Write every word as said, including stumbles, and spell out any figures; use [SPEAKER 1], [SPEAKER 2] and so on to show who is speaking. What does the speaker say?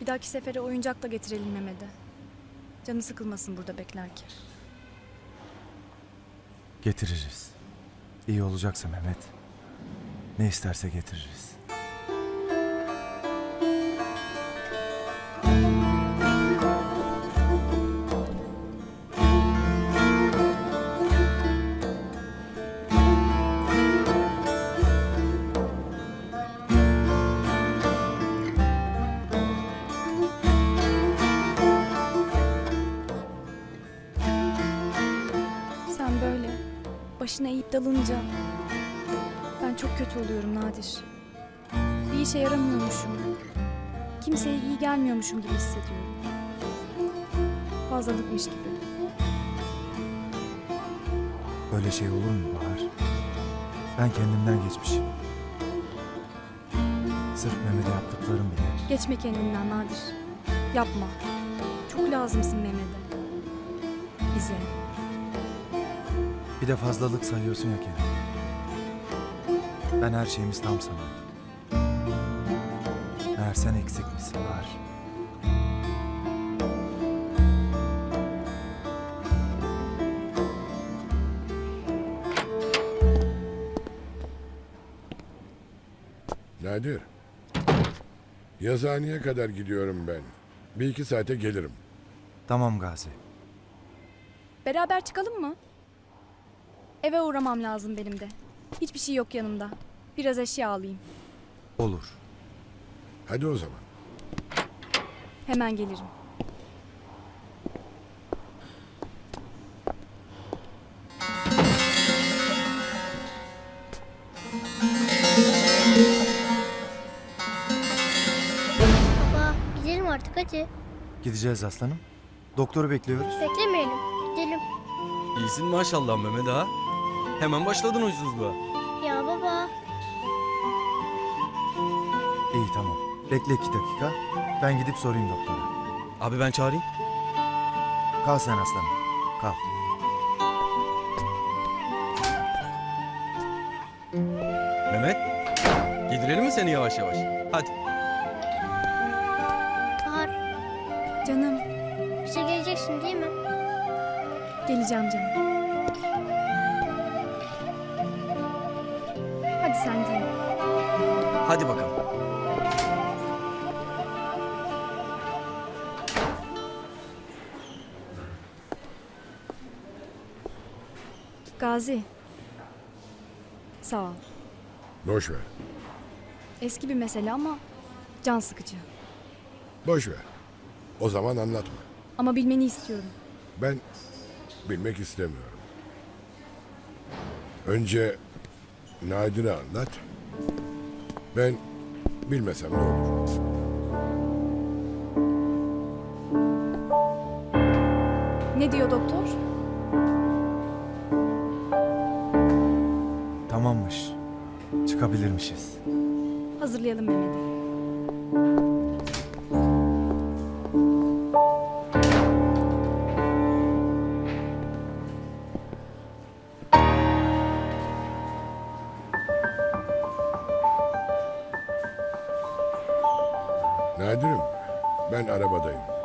[SPEAKER 1] Bir dahaki sefere oyuncak da getirelim Mehmet'e. Canı sıkılmasın burada beklerken.
[SPEAKER 2] Getiririz. İyi olacaksa Mehmet, ne isterse getiririz.
[SPEAKER 1] Sen böyle başına eğip dalınca ben çok kötü oluyorum Nadir. Bir işe yaramıyormuşum. Kimseye iyi gelmiyormuşum gibi hissediyorum. Fazlalıkmış gibi.
[SPEAKER 2] Böyle şey olur mu Bahar? Ben kendimden geçmişim. Sırf Mehmet'e yaptıklarım bile.
[SPEAKER 1] Geçme kendinden Nadir. Yapma. Çok lazımsın Mehmet'e. Bize.
[SPEAKER 2] Bir de fazlalık sayıyorsun ya Kerem. Ben her şeyimiz tam sanıyordum. Meğer sen eksik misin Bahar?
[SPEAKER 3] Nadir. Yazıhaneye kadar gidiyorum ben. Bir iki saate gelirim.
[SPEAKER 2] Tamam Gazi.
[SPEAKER 1] Beraber çıkalım mı? Eve uğramam lazım benim de. Hiçbir şey yok yanımda. Biraz eşya alayım.
[SPEAKER 2] Olur.
[SPEAKER 3] Hadi o zaman.
[SPEAKER 1] Hemen gelirim.
[SPEAKER 4] Baba gidelim artık hadi.
[SPEAKER 2] Gideceğiz aslanım. Doktoru bekliyoruz.
[SPEAKER 4] Beklemeyelim. Gidelim.
[SPEAKER 5] İyisin maşallah Mehmet ha. Hemen başladın huysuzluğa.
[SPEAKER 4] Ya baba.
[SPEAKER 2] İyi tamam. Bekle iki dakika. Ben gidip sorayım doktora.
[SPEAKER 5] Abi ben çağırayım.
[SPEAKER 2] Kal sen aslanım. Kal.
[SPEAKER 5] Mehmet. Yedirelim mi seni yavaş yavaş? Hadi.
[SPEAKER 4] Bahar
[SPEAKER 1] Canım,
[SPEAKER 4] bize geleceksin değil mi?
[SPEAKER 1] geleceğim canım. Hadi sen giyin.
[SPEAKER 5] Hadi bakalım.
[SPEAKER 1] Gazi. Sağ ol.
[SPEAKER 3] Boş ver.
[SPEAKER 1] Eski bir mesele ama can sıkıcı.
[SPEAKER 3] Boş ver. O zaman anlatma.
[SPEAKER 1] Ama bilmeni istiyorum.
[SPEAKER 3] Ben bilmek istemiyorum. Önce Nadir'e anlat. Ben bilmesem ne olur?
[SPEAKER 1] Ne diyor doktor?
[SPEAKER 2] Tamammış. Çıkabilirmişiz.
[SPEAKER 1] Hazırlayalım Mehmet'i.
[SPEAKER 3] Nadir'im, ben arabadayım.